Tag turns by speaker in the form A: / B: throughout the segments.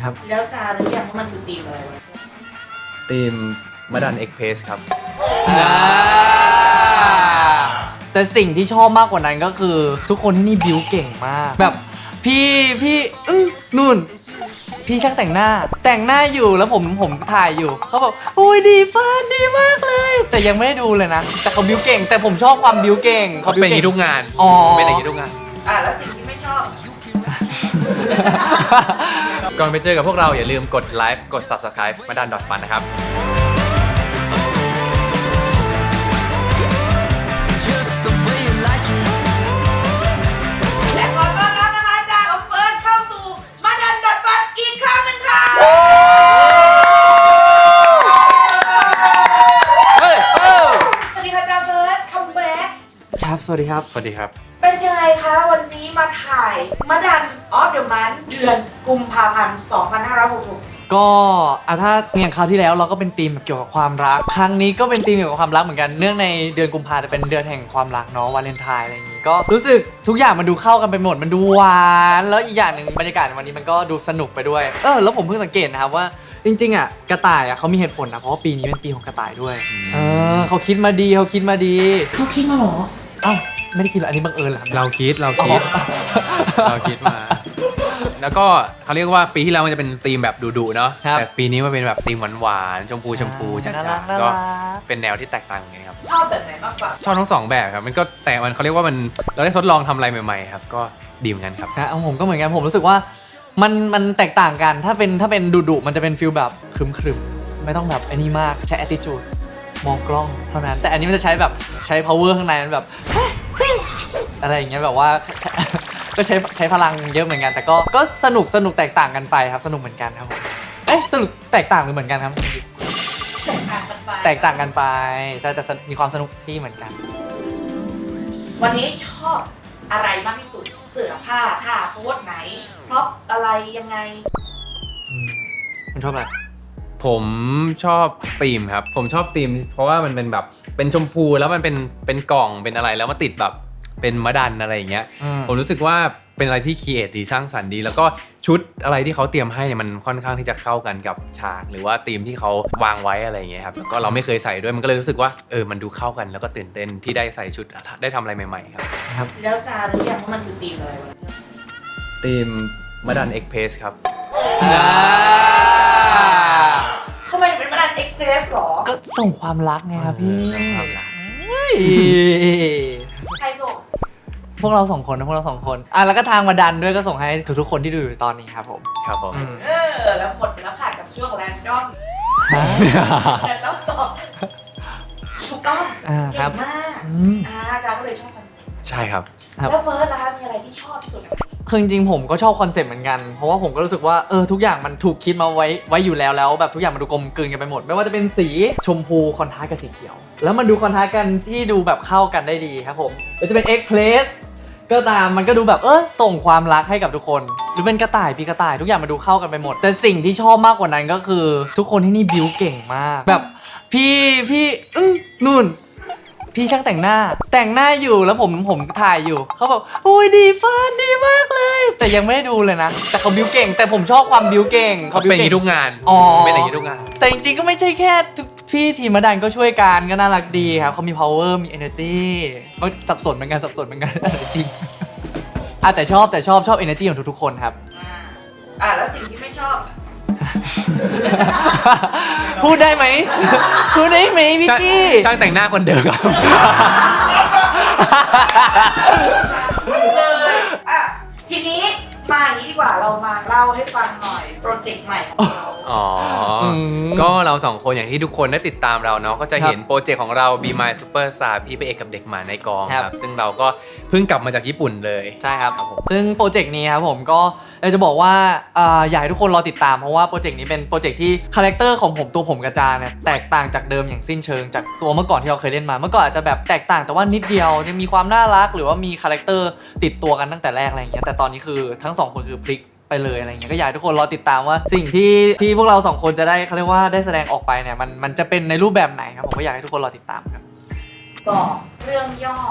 A: ครับ
B: แล้วจาหรือยังว่ามันคือธีมอะไรวะ
A: ทีมมาดันเอ็กเพสครับ
C: แต่สิ่งที่ชอบมากกว่านั้นก็คือทุกคนที่นี่บิวเก่งมากแบบพี่นู่นพี่ช่างแต่งหน้าอยู่แล้วผมถ่ายอยู่เขาบอกอุ้ยดีฟ้าดีมากเลยแต่ยังไม่ได้ดูเลยนะแต่เขาบิวเก่งแต่ผมชอบความบิวเก่ง
A: เขาเป็นอย่างนี้ทุกงาน
C: อ๋อ
A: เป็นอย่างนี้ทุกงาน
B: แล้วสิ่งที่ไม่ชอบ
A: ก่อนไปเจอกับพวกเราอย่าลืมกดไลค์กด Subscribe มาดัน.fun นะครับ
B: และขอต้อนรับนะคะจากออฟเฟิร์นเข้าสู่มาดันดอทฟันอีกครั้งหนึ่งค่ะสวัสดีค่ะจาเฟิร์นคัมแบ็ก
C: ครับสวัสดีครับ
A: สวัสดีครับ
B: เป็นยังไงคะวันนี้มาถ่ายมาดันออฟเดอะมันเดือนกุมภาพันธ์ 2566
C: ก็ถ้าอย่างคราวที่แล้วเราก็เป็นธีมเกี่ยวกับความรักครั้งนี้ก็เป็นธีมเกี่ยวกับความรักเหมือนกันเนื่องในเดือนกุมภาจะเป็นเดือนแห่งความรักเนาะวาเลนไทน์อะไรอย่างงี้ก็รู้สึกทุกอย่างมันดูเข้ากันไปหมดมันดูหวานแล้วอีกอย่างหนึ่งบรรยากาศในวันนี้มันก็ดูสนุกไปด้วยแล้วผมเพิ่งสังเกตนะครับว่าจริงๆกระต่ายเขามีเหตุผลนะเพราะว่าปีนี้เป็นปีของกระต่ายด้วยเขาคิดมาดีเขาคิดมาหรออ้าวไม่ได้คิดหรออันนี้บังเอิญเหรอ
A: เราคิดเราคิดมาแล้วก็เขาเรียกว่าปีที่แล้วมันจะเป็นธีมแบบดุๆเนาะแต่ปีนี้มันเป็นแบบธีมหวานๆชมพูจ๋าๆก็เป็นแนวที่แตกต่างกันครับ
B: ชอบแบบไหนมากกว่า
A: ชอบทั้งสองแบบครับมันก็แต่มันเขาเรียกว่ามันเราได้ทดลองทำอะไรใหม่ๆครับก็ดีเหมือนกันครับ
C: ผมก็เหมือนกันผมรู้สึกว่ามันแตกต่างกันถ้าเป็นดุๆมันจะเป็นฟีลแบบครึมๆไม่ต้องแบบไอ้นี่มากใช้ attitude มองกล้องเท่านั้นแต่อันนี้มันจะใช้แบบใช้ power ข้างในมันแบบอะไรอย่างเงี้ยแบบว่าก็ใช้พลังเยอะเหมือนกันแต่ก็สนุกแตกต่างกันไปครับสนุกเหมือนกันครับผมสนุกแตกต่างหรือเหมือนกันครับแตกต่างกันไปใช่แต่มีความสนุกที่เหมือนกัน
B: วันนี้ชอบอะไรมากที่สุดเสื้อผ้าท่าโพสไหนพร็อพอะไรยังไง
C: คุณชอบอะไร
A: ผมชอบธีมครับผมชอบธีมเพราะว่ามันเป็นแบบเป็นชมพูแล้วมันเป็นกล่องเป็นอะไรแล้วมาติดแบบเป็นมะดันอะไรอย่างเงี้ยผมรู้สึกว่าเป็นอะไรที่ครีเอทดีสร้างสรรค์ดีแล้วก็ชุดอะไรที่เขาเตรียมให้เนี่ยมันค่อนข้างที่จะเข้ากันกับฉากหรือว่าธีมที่เขาวางไว้อะไรอย่างเงี้ยครับแล้วก็เราไม่เคยใส่ด้วยมันก็เลยรู้สึกว่ามันดูเข้ากันแล้วก็ตื่นเต้นที่ได้ใส่ชุดได้ทำอะไรใหม่ๆครับ
B: แล้วจารู้ยังว่ามันคือธีมอะไรวะ
A: ธีมมาดันเอ็กเพสครับ
B: ทำไมถึงเป็นมาดันเอ็กเพรสหรอ
C: ก็ส่งความรักไงครับพี่
A: ความรัก
B: ใครส่ง
C: พวกเราสองคนแล้วก็ทางมาดันด้วยก็ส่งให้ทุกๆคนที่ดูอยู่ตอนนี้ครับผม
B: แล้วหมดแล้วค่ะกับช่วงแรนดอมแต่ต้องตอบถูกต้องเก่งมากจาก็เลยชอบคอนเซ็ปต์
A: ใช่ครับ
B: แล้วเฟิร์สนะคะมีอะไรที่ชอบที่สุด
C: คือจริงๆผมก็ชอบคอนเซ็ปต์เหมือนกันเพราะว่าผมก็รู้สึกว่าทุกอย่างมันถูกคิดมาไว้อยู่แล้วแบบทุกอย่างมันดูกลมกลืนกันไปหมดไม่ว่าจะเป็นสีชมพูคอนทราสต์กับสีเขียวแล้วมันดูคอนทราสต์กันที่ดูแบบเข้ากันได้ดีครับผมหรือจะเป็นเอ็กเพลสก็ตามมันก็ดูแบบส่งความรักให้กับทุกคนหรือเป็นกระต่ายพี่กระต่ายทุกอย่างมันดูเข้ากันไปหมดแต่สิ่งที่ชอบมากกว่านั้นก็คือทุกคนที่นี่บิวเก่งมากแบบพี่นู่นพี่ช่างแต่งหน้าอยู่แล้วผมถ่ายอยู่เขาบอกอุ้ยดีฟ้าดีมากเลยแต่ยังไม่ได้ดูเลยนะแต่เขาบิวเก่งแต่ผมชอบความบิวเก่ง
A: เขาเป็นอย่างนี้ทุกงานเป็นอย่างนี้ทุกงาน
C: แต่จริงๆก็ไม่ใช่แค่พี่ทีมมาดันก็ช่วยกันก็น่ารักดีครับเขามี power มี energy มันสับสนเหมือนกันจริงแต่ชอบ energy ของทุกๆคนครับ
B: แล้วสิ่งที่ไม่ชอบ
C: พูดได้ไหมพี่กี้
A: ช่างแต่งหน้าคนเดิมครับ
B: ทีนี้มาอย่างนี้ดีกว่าเรามาเล่าให้ฟังหน่อยโปรเจกต์ใหม่ของเรา
A: ก็เราสองคนอย่างที่ทุกคนได้ติดตามเราเนาะก็จะเห็นโปรเจกต์ของเรา Be My Superstar พี่พระเอกกับเด็กหมาในกองครับซึ่งเราก็เพิ่งกลับมาจากญี่ปุ่นเลย
C: ใช่ครับซึ่งโปรเจกต์นี้ครับผมก็จะบอกว่าอยากให้ทุกคนรอติดตามเพราะว่าโปรเจกต์นี้เป็นโปรเจกต์ที่คาแรคเตอร์ของตัวผมกระจาเนี่ยแตกต่างจากเดิมอย่างสิ้นเชิงจากตัวเมื่อก่อนที่เราเคยเล่นมาเมื่อก่อนอาจจะแบบแตกต่างแต่ว่านิดเดียวยังมีความน่ารักหรือว่ามีคาแรคเตอร์ติดตัวกันตั้งแต่แรกอะไรอย่างเงี้ยแต่ตอนนี้คือทั้ง2คนคือพลิกไปเลยอะไรเงี้ยก็อยากให้ทุกคนรอติดตามว่าสิ่งที่พวกเรา2คนจะได้เขาเรียกว่าได้แสดงออกไปเนี่ยมันจะเป็นในรูปแบบไหนครับผมก็อยากให้ทุกคนรอติดตามครับ
B: บอกเรื่องย่อ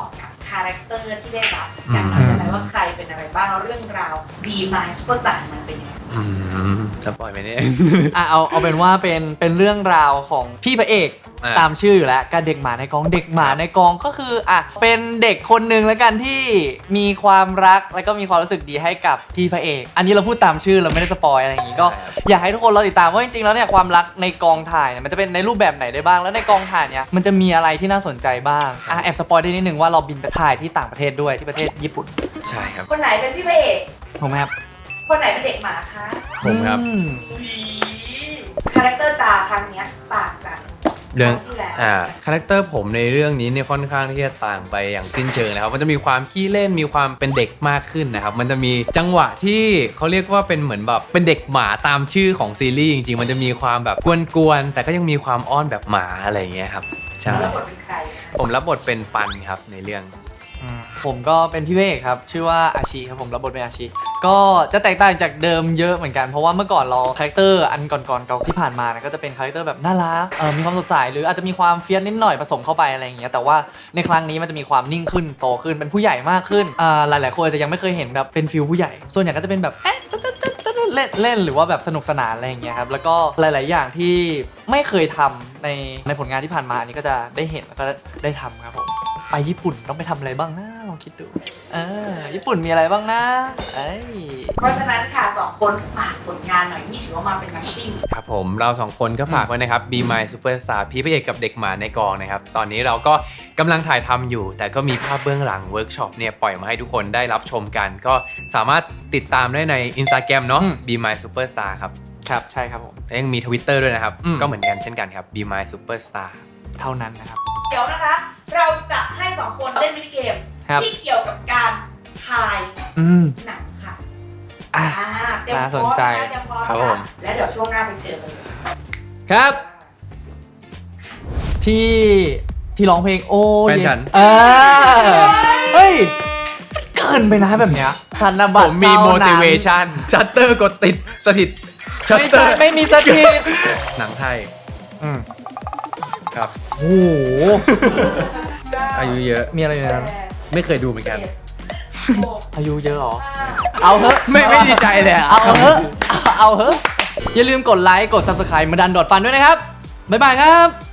B: คาแรคเตอร์ที่ได้รับอยากรู้ได้ไหมว่าใครเป็นอะไรบ้างแล้วเรื่องราว Be My Superstar มันเป็นยังไง
A: จะปล่อยไหมเนี่ย
C: เอาเป็นว่าเป็นเรื่องราวของพี่พระเอก
A: อ่ะ
C: ตามชื่ออยู่แล้วกับเด็กหมาในกองเด็กหมาในกองก็คือเป็นเด็กคนหนึ่งแล้วกันที่มีความรักแล้วก็มีความรู้สึกดีให้กับพี่พระเอก อันนี้เราพูดตามชื่อเราไม่ได้สปอยอะไรอย่างงี้ก็อยากให้ทุกคนรอติดตามว่าจริงๆแล้วเนี่ยความรักในกองถ่ายเนี่ยมันจะเป็นในรูปแบบไหนได้บ้างแล้วในกองถ่ายเนี่ยมันจะมีอะไรที่น่าสนใจบ้างแอบสปอยได้นิดนึงว่าเราบินไปถ่ายที่ต่างประเทศด้วยที่ประเทศญี่ปุ่น
A: ใช่ครับ
B: คนไหนเป็นพี่พระเอก
C: ถูกไหมครับ
B: คนไหนเป็นเด็กหมาคะ
A: ผมครับ
B: อุ๊ยคาแรคเตอร์จาครั้งเนี้ยต่างจาก
A: เรื่อง
B: ครั้งที่แล้ว
A: คาแรคเตอร์ผมในเรื่องนี้เนี่ยค่อนข้างที่จะต่างไปอย่างสิ้นเชิงนะครับมันจะมีความขี้เล่นมีความเป็นเด็กมากขึ้นนะครับมันจะมีจังหวะที่เขาเรียกว่าเป็นเหมือนแบบเป็นเด็กหมาตามชื่อของซีรีส์จริงๆมันจะมีความแบบกวนๆแต่ก็ยังมีความอ้อนแบบหมาอะไรอย่างเงี้ยครับใช่
B: แล้วบทเป็นใครคะ
A: ผมรับบทเป็นปันครับในเรื่อง
C: ผมก็เป็นพี่เวกครับชื่อว่าอาชิครับผมรับบทเป็นอาชิก็จะแตกต่างจากเดิมเยอะเหมือนกันเพราะว่าเมื่อก่อนเราคาแรคเตอร์อันก่อนๆเก่าที่ผ่านมานะก็จะเป็นคาแรคเตอร์แบบน่ารักมีความสดใสหรืออาจจะมีความเฟี้ยสนิดหน่อยผสมเข้าไปอะไรอย่างเงี้ยแต่ว่าในครั้งนี้มันจะมีความนิ่งขึ้นโตขึ้นเป็นผู้ใหญ่มากขึ้นหลายๆคนอาจจะยังไม่เคยเห็นแบบเป็นฟิลผู้ใหญ่ส่วนใหญ่ก็จะเป็นแบบเล่นหรือว่าแบบสนุกสนานอะไรอย่างเงี้ยครับแล้วก็หลายๆอย่างที่ไม่เคยทำในผลงานที่ผ่านมาอันนี้ก็จะได้เห็นแล้วก็ได้ทำครับผมไปญี่ปุ่นต้องไปทำอะไรบ้างนะลองคิดดูญี่ปุ่นมีอะไรบ้างนะ
B: เพราะฉะนั้นค่ะสองคนฝากผลงานหน่อยนี่ถือว่ามาเป็นน้ำจิ้ม
A: ครับผมเราสองคนก็ฝากไว้นะครับ Be My Superstar พี่พระเอกกับเด็กหมาในกองนะครับตอนนี้เราก็กำลังถ่ายทำอยู่ แต่ก็มีภาพเบื้องหลังเวิร์กช็อปเนี่ยปล่อยมาให้ทุกคนได้รับชมกัน ก็สามารถติดตามได้ใน Instagram เนาะ Be My Superstar ครับ
C: ครับใช่ครับผม
A: และยังมี Twitter ด้วยนะครับ
C: อืม
A: ก็เหมือนกันเช่นกันครับ Be My Superstar
C: เท่านั้นนะครับ
B: เดี๋ยวนะคะ เราจะให้สองคนเล่นมินิเกม
C: ครับ
B: ที่เกี่ยวกับการถ่าย หนังค่ะ
C: อ่ะ
B: เตรียม
C: น่า
B: พ
C: ส
B: ร้
C: น
B: อม
C: ใจ
B: นะเตรียมพร้อม
A: ครับผม
B: นะแล้วเดี๋ยวช่วงหน้าไปเจอกันเลย
C: ครับ ที่ร้องเพลงโอ้
A: แฟนฉัน
C: เฮ้ยเกินไปนะแบบเนี้ยธนบั
A: ผ
C: ตร
A: มมี
C: เท่านั้น
A: motivation ชัตเตอร์กดติดสถิตชัต
C: ไม่
A: เตอ
C: ใช่
A: ร์
C: ไม่มีสถิต
A: หนังไทย
C: อืม
A: ครับ
C: โอ้โห
A: อายุเยอะ
C: มีอะไรในนั้น
A: ไม่เคยดูเหมือนกัน
C: อายุเยอะเหรอ เอาเถอะ
A: ไม่ดีใจเลยอะ
C: เอาเถอะเอาเถอะอย่าลืมกดไลค์กด subscribe มาดันดอดฟันด้วยนะครับบ๊ายบายครับ